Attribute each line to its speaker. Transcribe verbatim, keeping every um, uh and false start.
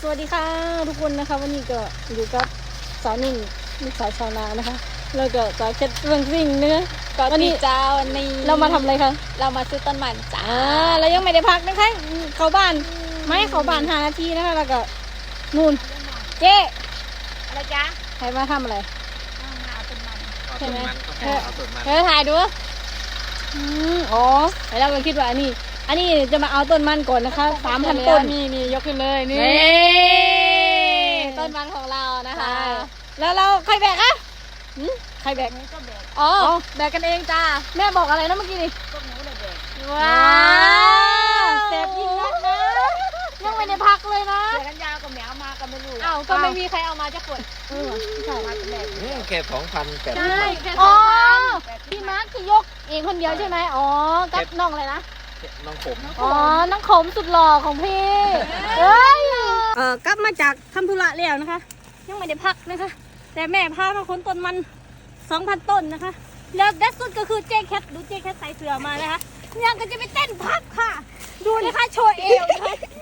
Speaker 1: วัสดีค่ะทุกคนนะคะวันนี้ก็อยู่กับสาวนิ่งลูกสาวชาวนานะคะแล้วก็สาวเคทเรื่องซิ่งเนื้อ
Speaker 2: ก็
Speaker 1: วัน
Speaker 2: ตี
Speaker 1: นี้
Speaker 2: เจ้าวันนี้
Speaker 1: เรามาทำอะไรคะ
Speaker 2: เรามาซื้อต้นมันจ้า
Speaker 1: อ่าเรายังไม่ได้พักนะคะเข้าบ้านไม่เข้าบ้านห้านาทีนะคะแล้วก็นู่นเจ๊
Speaker 2: อะไรจ๊ะ
Speaker 1: ใครมาทำอะไร
Speaker 2: เอาต้นมัน
Speaker 1: ใช่ไหม
Speaker 3: เอาต้นมัน
Speaker 1: เธอถ่ายดูอืมอ๋อแล้วเราก็คิดว่าอันนี้ อันนี้จะมาเอาต้นมันก่อนนะคะสามพันต้น
Speaker 2: นี่นี่ยกขึ้นเลยนี่
Speaker 1: นี่
Speaker 2: ต้นมันของเรานะคะ
Speaker 1: ใช่แล้วเราใครแบกอะหืมใครแบก
Speaker 2: ก็แบก
Speaker 1: อ๋อ
Speaker 2: แบกกันเองจ้า
Speaker 1: แม่บอกอะไรนะเมื่อกี้นี่
Speaker 2: พวกหนูเลยแบก
Speaker 1: ว้าวแสบยิ่งนักนะยังไม่ได้พักเลยนะ
Speaker 2: เสือกันยาวกับแมวมากันไม่รู้
Speaker 1: อ้าว
Speaker 2: ก็ไม่มีใครเอามาจะขวด
Speaker 1: เออใช่
Speaker 2: มาแต่แบก
Speaker 3: อืมแค่สองพันแปด
Speaker 2: ใช่แค่ส
Speaker 1: อ๋
Speaker 2: อ
Speaker 1: อง
Speaker 2: พัน
Speaker 1: พี่มาร์คคือยกเองคนเดียวใช่ไหมอ๋อกับน้องอะไรนะ
Speaker 3: น้องผม
Speaker 1: อ๋อ น้องขมสุดหล่อของพี่เอ้ยเออกลับมาจากทำธุระแล้วนะคะ ยังไม่ได้พักนะคะ แต่แม่พามาค้นต้นมันสองพันต้นนะคะ แล้วเด็ดสุดก็คือเจ๊แคทดูเจ๊แคทใส่เสื้อมานะคะยังก็จะไปเต้นพักค่ะ ดูนะคะโชว์เอวนะคะ